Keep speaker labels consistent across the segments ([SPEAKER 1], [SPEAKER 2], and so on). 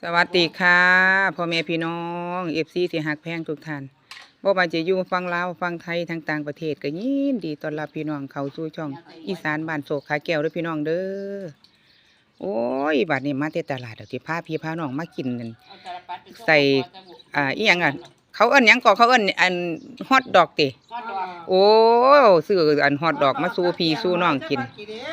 [SPEAKER 1] สวัสดีค่ะพ่อแม่พี่น้องFCที่ฮักแพงทุกท่านบ่ว่าจะอยู่ฝั่งลาวฝั่งไทยทั้งต่างประเทศก็ยินดีต้อนรับพี่น้องเข้าสู่ช่องอีสานบ้านโศกขาแก้วเด้อพี่น้องเด้อโอ้ยบัดนี้มาแต่ตลาดเดี๋ยวสิพาพี่พาน้องมากินนั่นใส่อีหยังอ่ะเขาเอิ้นหยังก็เขาเอิ้นอันฮอทดอกติโอ้ซื้ออันฮอทดอกมาสู่พี่สู่น้องกิน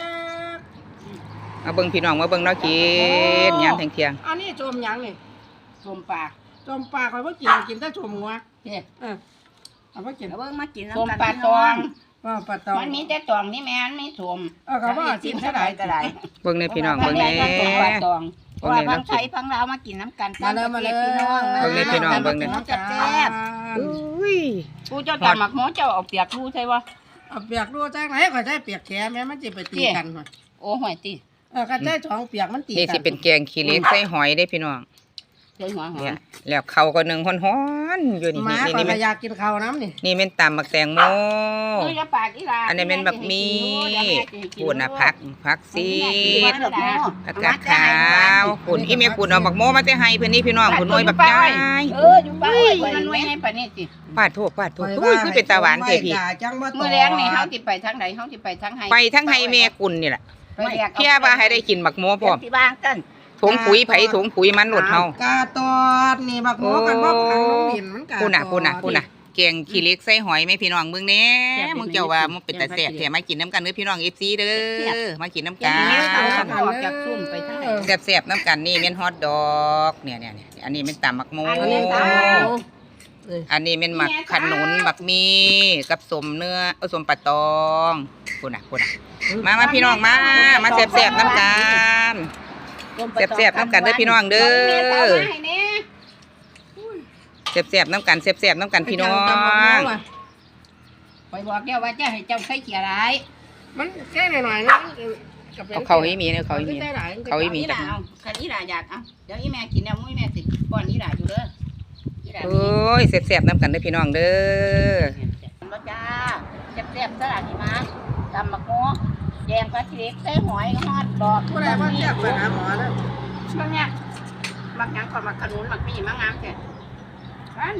[SPEAKER 1] มาเบิ่งพี่น้องมาเบิ่งเนาะกินยามเที่ยง
[SPEAKER 2] อันนี้ชมหยังนี่
[SPEAKER 3] ชมปลา
[SPEAKER 2] ชมปลาคอยว่ากินแต่ชมงัว
[SPEAKER 3] เนี่ย
[SPEAKER 2] เอาว่ากิน
[SPEAKER 3] เอาเบิ่งมากิน
[SPEAKER 4] ชม
[SPEAKER 3] น้ำกัน
[SPEAKER 4] ปลาตอง
[SPEAKER 2] ว่าปลาตอง
[SPEAKER 4] มันมีแต่ตองนี่แม่นไม่ชม
[SPEAKER 2] เขาว่ากินเท่าไหร่
[SPEAKER 4] ก็ได้
[SPEAKER 1] เบิ่งในพี่น้อง
[SPEAKER 4] เบิ่
[SPEAKER 1] เบิ่ง
[SPEAKER 4] ง
[SPEAKER 1] ใน
[SPEAKER 4] แม่ปลาตองเพราะว่า
[SPEAKER 1] เบิ่
[SPEAKER 4] บาง ง
[SPEAKER 1] ใน
[SPEAKER 4] ไทยบางลาวมากินน้ำกัน
[SPEAKER 2] มาเลยมาเลย
[SPEAKER 4] พี่น้อง
[SPEAKER 1] เบิ่งในพี่น้องเบิ่งใน
[SPEAKER 4] น้องจะแซ่บ
[SPEAKER 1] อุ้ย
[SPEAKER 4] ผู้เจ้าตำหมักหม้อเจ้าเอาเปียกรู้ใช่ปะ
[SPEAKER 2] เอาเปียกรู้จังไหนก็ใช้เปียกแขนแม่มันจะไปตีกันหน่อย
[SPEAKER 4] โอ้ห่วยติ
[SPEAKER 2] ก็ใช้สองเปียกมันตี
[SPEAKER 1] นี่
[SPEAKER 2] กั
[SPEAKER 1] สิเป็นแกงขี้เหล็กใส่หอยได้พี่น้อง
[SPEAKER 4] ใช่หัวหอ
[SPEAKER 1] เนี่ย
[SPEAKER 4] ม
[SPEAKER 1] แล้วเขาก็นึ่งฮ้อนๆอยู่นี่
[SPEAKER 2] หมา
[SPEAKER 1] นี่
[SPEAKER 2] ก็
[SPEAKER 1] นี่มัน
[SPEAKER 2] อยากกินข้าวน้ำนี่
[SPEAKER 1] นี่เป็นตำบักแตงโม
[SPEAKER 4] เอ้ยอย่าปากอีหลา
[SPEAKER 1] อันนี้เป็นบักมีปูนน่ะผักซีดผักกาดขาวปุ่นอีเมียปุ่นเอาบักโมมาแต่ให้เพิ่นนี่พี่น้องปุ่นน้อยบักใหญ่
[SPEAKER 4] อยู่ป้าไว้มันน้อยให้ปานนี้สิ
[SPEAKER 1] ปาดโทษอุ้ยคือเป็นตาหวานแท้พี่
[SPEAKER 2] จังบ่
[SPEAKER 4] มื้อแรงนี่เฮาสิไปทางใดเฮาสิไปทางไห้
[SPEAKER 1] ไปทั้งให้แม่กุนนี่แหละ
[SPEAKER 4] ไปแลก
[SPEAKER 1] เพียว่าให้ได้กินบักโมพร้อม
[SPEAKER 4] ที่บ้านกัน
[SPEAKER 1] ถุงปุ๋ยไผถุงปุ๋ยมันหลดเฮา
[SPEAKER 2] กาตอดนี่บักหมูกันบ่ขังน้องดินมันกา
[SPEAKER 1] พูน่ะแกงขี้เหล็กใส่หอยแม่พี่น้องเบิ่งแหน่มึงเจ้าว่ามันเป็นตาแซ่บแท้มากินน้ำกันเด้อพี่น้อง FC เด้อมากินน้ำ
[SPEAKER 4] กั
[SPEAKER 1] กัน น
[SPEAKER 4] เอาออกจากซุ่มไปทางไหน
[SPEAKER 1] แซ่บๆน้ำกันนี่แม่นฮอทดอกเนี่ยอันนี้แม่นตำบักโม
[SPEAKER 4] อันนี้ตำ
[SPEAKER 1] อันนี้แม่นหมักขนุนบักมีกับสมเนื้อสมปลาตองพูน่ะมาพี่น้องมาแซ่บๆน้ำกันแซ่บๆน้ำกันเด้อพี่น้องเด้อแซ่บๆน้ำกันแซ่บๆน้ำกันพี่น้อง
[SPEAKER 4] ไปบอกแกว่าจะให้เจ้าใส่เขียไร
[SPEAKER 2] มันแค่หน่อยๆนะ
[SPEAKER 1] เอาเขาให้มีเนี่ยเขาให้มี เขาให้มี
[SPEAKER 4] อีหล่าเอาคันอีหล่าอยากเอาเดี๋ยวอีแม่กินแล้วมุ้ยแม่สิป้อนอีหล่าอยู่เด้ออีหล่า
[SPEAKER 1] โอ้ยแซ่บๆน้ำกันเด้อพี่น้องเด้อ
[SPEAKER 4] รสจ้าแซ่บๆสลัดหิมะตำมะม่วงแยงปลาเล็กใส่หอยฮอดดอก
[SPEAKER 2] ผู้ใดว่าเทียบไปหาหมอแล้ว
[SPEAKER 4] บางอย่างมักหยังก่อนมักขนุนมักมีมักงามแค่หวาน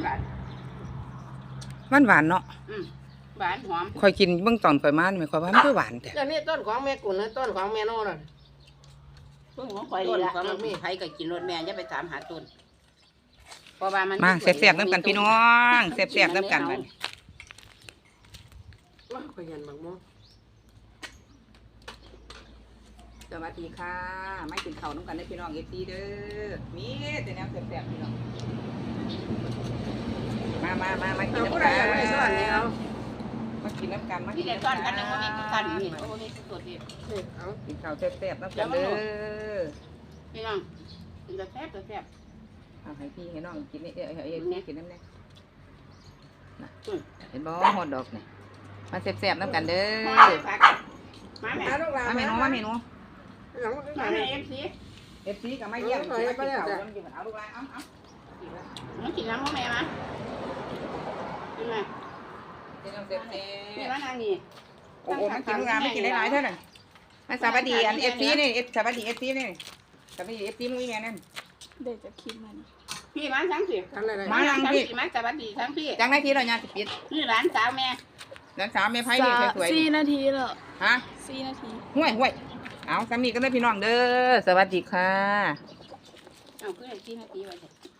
[SPEAKER 1] หวานเนาะ
[SPEAKER 4] หวานหอม
[SPEAKER 1] ค่อยกินเบิ่งตอนค่อยมาไม่ค่อยว่ามันคือหวานแต่
[SPEAKER 2] อย่างนี้ต้นของแม่กุ่นและต้นของแม่โน่น่ะ
[SPEAKER 4] เพิ่งของข่อยนี่ละมันมีใครก็กินรสแม่อย่าไปถามหาต้นเพราะว่ามัน
[SPEAKER 1] มาแซ่บๆน้ำกันพี่น้องแซ่บๆน้ำกันบัด
[SPEAKER 2] ว่าขยันบักหมู
[SPEAKER 1] สวัสดีค่ะมากินข้าวน้ำกันเด้อพี่น้อง FC เด้อมีแต่แนวแซ่บๆพี่น้องมากิน
[SPEAKER 2] เอาผู้
[SPEAKER 1] น้ำ
[SPEAKER 2] ใด
[SPEAKER 1] กัน
[SPEAKER 2] อยากได้ส่วนนี้เอา
[SPEAKER 1] มากินน้ำกันมากิ
[SPEAKER 4] ที่
[SPEAKER 1] น
[SPEAKER 4] เด็ก
[SPEAKER 1] น้ำ
[SPEAKER 4] ก้
[SPEAKER 1] กั
[SPEAKER 4] อน นกันนะว่ามีทุกกันนี่โอ้มีทุกตัวที่
[SPEAKER 2] เอา
[SPEAKER 1] กินข้าวแซ่บๆน้ำกันเด้อ
[SPEAKER 4] พี่น้องกินกระแทบกระแทบ
[SPEAKER 1] เอาให้พี่ให้น้องกินนี่ให้พี่กินน้ำเนี่ยน่ะเห็นบ่ฮอทดอกนี่มาแซ่บๆน้ำกันเด้อ
[SPEAKER 4] มาแม่
[SPEAKER 2] เอาลูกหลาน
[SPEAKER 1] มาเมนูมาเมนู
[SPEAKER 2] หลัง
[SPEAKER 4] มาแม่เอฟซี
[SPEAKER 1] FC ก็มาเยี่ยมมากินข้าวน้ำอยู่เอาลูกหลานเอา
[SPEAKER 4] น้องกินน้ำพ่อแม่มากินไหม
[SPEAKER 1] กินน้ำแซ่บ
[SPEAKER 4] นี่ร้านนางนี่
[SPEAKER 1] ๆโอ้โหมันกินลูกหลานไม่กินหลายๆเท่านั้นมาสวัสดีอัน FC นี่สวัสดี FC นี่สวัสดี FC มึงอีแม่นั่น
[SPEAKER 3] เดี๋ยวจะคิดมัน
[SPEAKER 4] พี่มาทั้งสิ
[SPEAKER 2] ทำอะไร
[SPEAKER 4] มาทั้งพี่มาสวัสดีทั้งพี่
[SPEAKER 1] จังได้ทีเราเนี่ยสิปิด
[SPEAKER 4] นี่ร้านสาวแม่
[SPEAKER 1] นักสาวแม่ไพ่ดีสวย
[SPEAKER 3] 4 นาทีเหรอ
[SPEAKER 1] ๆฮะ
[SPEAKER 3] 4 นาที
[SPEAKER 1] ห่วยเอาสามีกันเลยพี่น้องเด้อสวัสดีค่ะ
[SPEAKER 4] เอาขึ้นที่นาทีไว้เถอะ